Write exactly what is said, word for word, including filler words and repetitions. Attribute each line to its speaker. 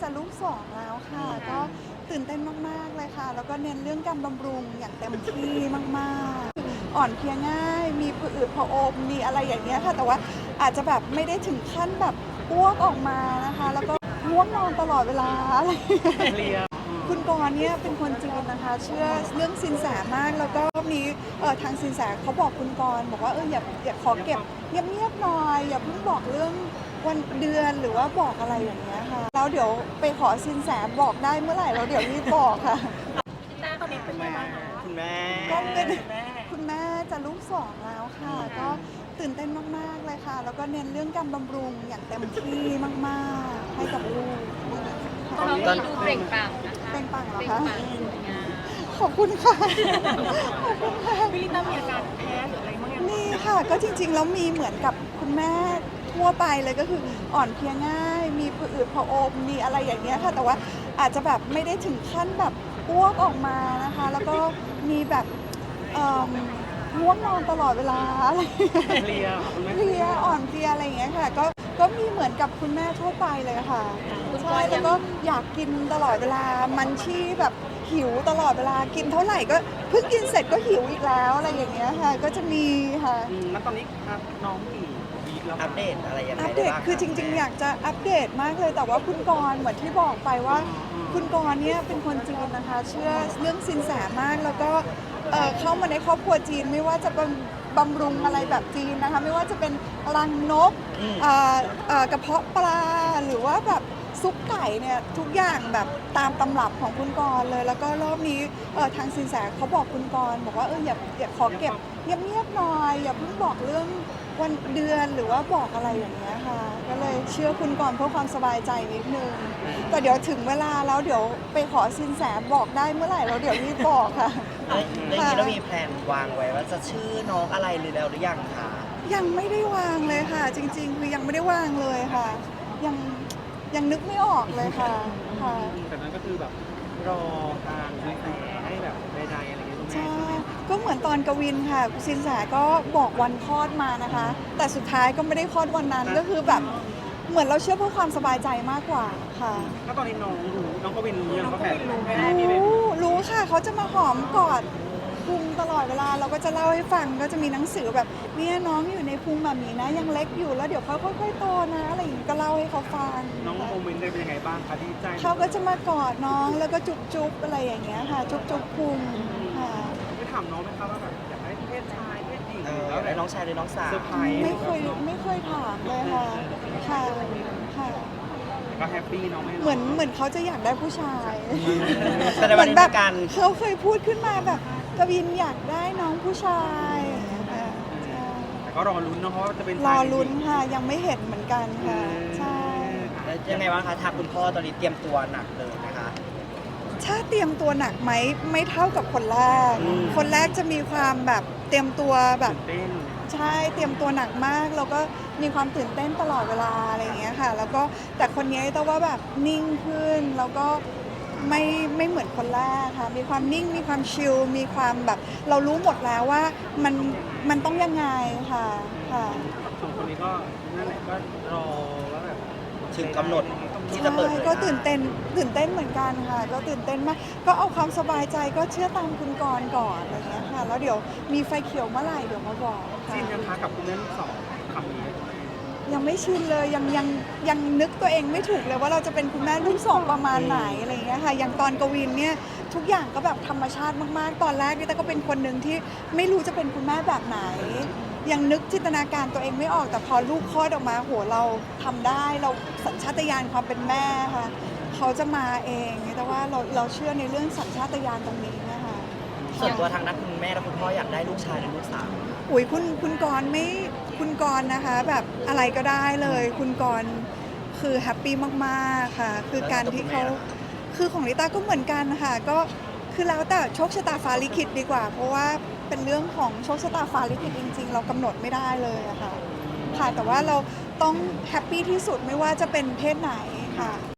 Speaker 1: ลูกสองแล้วค่ะก็ตื่นเต้นมากๆเลยค่ะแล้วก็เน้นเรื่องการบำรุงอย่างเต็มที่มากๆอ่อนเพลียง่ายมีผื่นอืดผะอมมีอะไรอย่างเงี้ยค่ะแต่ว่าอาจจะแบบไม่ได้ถึงขั้นแบบอ้วกออกมานะคะแล้วก็ง่วงนอนตลอดเวลาอะไรคุณกรณ์เนี่ยเป็นคนจีนนะคะเชื่อเรื่องสินแสมากแล้วก็มีเออทางสินแสเขาบอกคุณกรณ์บอกว่าเอออย่าอย่าขอเก็บเงียบๆหน่อยอย่าเพิ่งบอกเรื่องวันเดือนหรือว่าบอกอะไรอย่างเงี้ยค่ะแล้วเดี๋ยวไปขอสินแสบอกได้เมื่อไหร่เราเดี๋ยวรีบบอกค่ะ
Speaker 2: แม่ตอนนี้เป็นไงบ้างคะคุณแม่
Speaker 1: ก็เป็นคุณแม่จะลูกสองแล้วค่ะก็ตื่นเต้นมากๆเลยค่ะแล้วก็เน้นเรื่องการบำรุงอย่างเต็มที่มากๆให้กับลูก
Speaker 3: ตอนนี้ดูเปล่งปลั่งนะคะ
Speaker 1: เป็นปังเหรอ
Speaker 3: เปล่ง
Speaker 1: คะ
Speaker 3: ปลั่งสวยงาม
Speaker 1: ขอบคุณค่ะขอบคุณค่ะ
Speaker 2: พี่ลิต้ามีอาการแพ้หรืออะไรบ้างยัง
Speaker 1: นี่ค่ะก็จริงๆแล้วมีเหมือนกับคุณแม่ทั่วไปเลยก็คืออ่อนเพลียง่าย มีผื่นอืดผะอมมีอะไรอย่างเงี้ยค่ะแต่ว่าอาจจะแบบไม่ได้ถึงขั้นแบบอ้วกออกมานะคะแล้วก็มีแบบเอ่อง่วงนอนตลอดเวลาอะไรอย่างเงี้ย
Speaker 2: เพลียค่ะคุณแม่
Speaker 1: เพลียอ่อนเพลียอะไรอย่างเงี้ยค่ะก็ก็มีเหมือนกับคุณแม่ทั่วไปเลยค่ะใช่แล้วก็อยากกินตลอดเวลามันชี่แบบหิวตลอดเวลากินเท่าไหร่ก็เพิ่งกินเสร็จก็หิวอีกแล้วอะไรอย่างเงี้ยค่ะก็จะมีค่ะ
Speaker 2: อืมแล้วตอนนี้ครับน้องกี่วีคแล้วคะ
Speaker 4: อัปเดตอะไรยังไง
Speaker 1: อัปเดต
Speaker 4: บ้าง
Speaker 1: คือจริงๆ อยากจะอัปเดตมากเลยแต่ว่าคุณกรณ์เหมือนที่บอกไปว่า คุณกรณ์เนี่ยเป็นคนจีนนะคะ เชื่อเรื่องสินแสมากแล้วก็เอ่อเข้ามาในครอบครัวจีนไม่ว่าจะบำบำรุงอะไรแบบจีนนะคะ ไม่ว่าจะเป็นรังนกเอ่อเอ่อกระเพาะปลาหรือว่าแบบซุปไก่เนี่ยทุกอย่างแบบตามตำรับของคุณกรณ์เลย แล้วก็รอบนี้เอ่อทางสินแสเขาบอกคุณกรณ์บอกว่าเอออย่าอย่าขอเก็บเงียบๆหน่อยอย่าเพิ่งบอกเรื่องวันเดือนหรือว่าบอกอะไรอย่างเงี้ยค่ะก็เลยเชื่อคุณก่อนเพื่อความสบายใจนิดนึงแต่เดี๋ยวถึงเวลาแล้วเดี๋ยวไปขอสินแสบอกได้เมื่อไหร่เราเดี๋ยวรีบบอกค่ะ
Speaker 4: แล้วอย่างนี้เรามีแพลนวางไว้ว่าจะชื่อน้องอะไรหรือแล้วหรือยังคะ
Speaker 1: ยังไม่ได้วางเลยค่ะ จริงๆคือยังไม่ได้วางเลยค่ะ ยังยังนึกไม่ออกเลยค่ะค่ะ
Speaker 2: แต่นั้นก็คือแบบรอทางสินแสให้แบบใดๆอะไรอย่างเงี้ยคุณแม่
Speaker 1: ใช่ก็เหมือนตอนกวินค่ะสินแสก็บอกวันคลอดมานะคะ แต่สุดท้ายก็ไม่ได้คลอดวันนั้นก็คือแบบเหมือนเราเชื่อเพื่อความสบายใจมากกว่าค่ะ
Speaker 2: แล้วตอนนี้น้องรู้น้องก็วินรู้ยังว่าแผนแม่มี
Speaker 1: รู้รู้ค่ะเขาจะมาหอมกอดพุงตลอดเวลาเราก็จะเล่าให้ฟังก็จะมีหนังสือแบบเนี่ยน้องอยู่ในพุงแบบนี้นะ ยังเล็กอยู่แล้วเดี๋ยวเขาค่อยๆโตนะอะไรอย่างนี้ก็เล่าให้เขาฟัง
Speaker 2: น้องโมเมนต์ได้เป็นยังไงบ้างคะดีใจ
Speaker 1: เขาก็จะมากอดน้องแล้วก็จุ๊บๆอะไรอย่างเงี้ยค่ะ จุ๊บๆพุงค่ะ
Speaker 2: ได้ถามน้องไหมคะว่าแบบอยากได้เพศชายเพศหญิง
Speaker 4: เออ
Speaker 2: แล้ว
Speaker 4: แล้วน้องชายหรือน้องสาว
Speaker 2: เซอร์ไพรส์
Speaker 1: ไม่เคยไม่เคยถามเลยค่ะค่ะค่ะ
Speaker 2: ก็แฮปปี้น้องไม่
Speaker 1: เหมือนเหมือนเขาจะอยากได้ผู้ชาย
Speaker 4: แต่ใน
Speaker 1: เห
Speaker 4: วั
Speaker 1: มื
Speaker 4: น
Speaker 1: อน
Speaker 4: นี้
Speaker 1: แบ
Speaker 4: มี
Speaker 1: บ
Speaker 4: การ
Speaker 1: เขาเคยพูดขึ้นมาแบบกวินอยากได้น้องผู้ชายอย่างเงี้ยค่ะใช่
Speaker 2: แต่ก็รอลุ้นเนอะเพราะว่าจะเป็น
Speaker 1: รอลุ้นค่ะยังไม่เห็นเหมือนกันค่ะใช่
Speaker 4: แล้วยังไงบ้างคะทางคุณพ่อตอนนี้เตรียมตัวหนักเลยนะคะ
Speaker 1: ถ้าเตรียมตัวหนักไหมไม่เท่ากับคนแรก
Speaker 4: อืม
Speaker 1: คนแรกจะมีความแบบเตรียมตัวแบบ
Speaker 2: ตื่นเต้น
Speaker 1: ใช่เตรียมตัวหนักมากแล้วก็มีความตื่นเต้นตลอดเวลาอะไรอย่างเงี้ยค่ะ แล้วก็แต่คนนี้แต่ว่าแบบนิ่งขึ้นแล้วก็ไม่ไม่เหมือนคนแรกค่ะ มีความนิ่งมีความชิลมีความแบบเรารู้หมดแล้วว่ามันมันต้องยังไงค่ะค่ะ
Speaker 2: สองคนนี้ก็นั่นแหละก็รอว่าแบบ
Speaker 4: ถึงกำหนด ที่
Speaker 1: ใช่
Speaker 4: จะเปิดเผย
Speaker 1: ก็ตื่นเต้นตื่นเต้นเหมือนกันค่ะ ก็ตื่นเต้นมากก็เอาความสบายใจก็เชื่อตามคุณกรณ์ก่อนอะไรอย่างเงี้ยค่ะ แล้วเดี๋ยวมีไฟเขียวเมื่อไหร่เดี๋ยวมาบอกค่ะ
Speaker 2: ชินยังคะกับคุณแม่ลูกสองคำนี้
Speaker 1: ยังไม่ชินเลยยังยังยังนึกตัวเองไม่ถูกเลยว่าเราจะเป็นคุณแม่ลูกสองประมาณไหนอะไรอย่างเงี้ยค่ะอย่างตอนกวินเนี่ยทุกอย่างก็แบบธรรมชาติมากๆ ตอนแรกนี่แต่ก็เป็นคนหนึ่งที่ไม่รู้จะเป็นคุณแม่แบบไหน ยังนึกจินตนาการตัวเองไม่ออกแต่พอลูกคลอดออกมาโหเราทำได้เราสัญชาตญาณความเป็นแม่ค่ะเขาจะมาเองแต่ว่าเราเราเชื่อในเรื่องสัญชาตญาณตรงนี้นะคะ
Speaker 4: ส่วนตัวทางนั้นคุณแม่และคุณพ่ออยากได้ลูกชายหรือลูกสาว
Speaker 1: อุ๋ยคุณคุณกรณ์ไม่คุณกรณ์นะคะ แบบอะไรก็ได้เลย คุณกรณ์คือแฮปปี้มากๆค่ะ คือการที่เขาคือของลิต้าก็เหมือนกันค่ะก็คือแล้วแต่โชคชะตาฟ้าลิขิตดีกว่า เพราะว่าเป็นเรื่องของโชคชะตาฟ้าลิขิตจริง ๆ เรากำหนดไม่ได้เลยอะค่ะค่ะแต่ว่าเราต้องแฮปปี้ที่สุดไม่ว่าจะเป็นเพศไหนค่ะ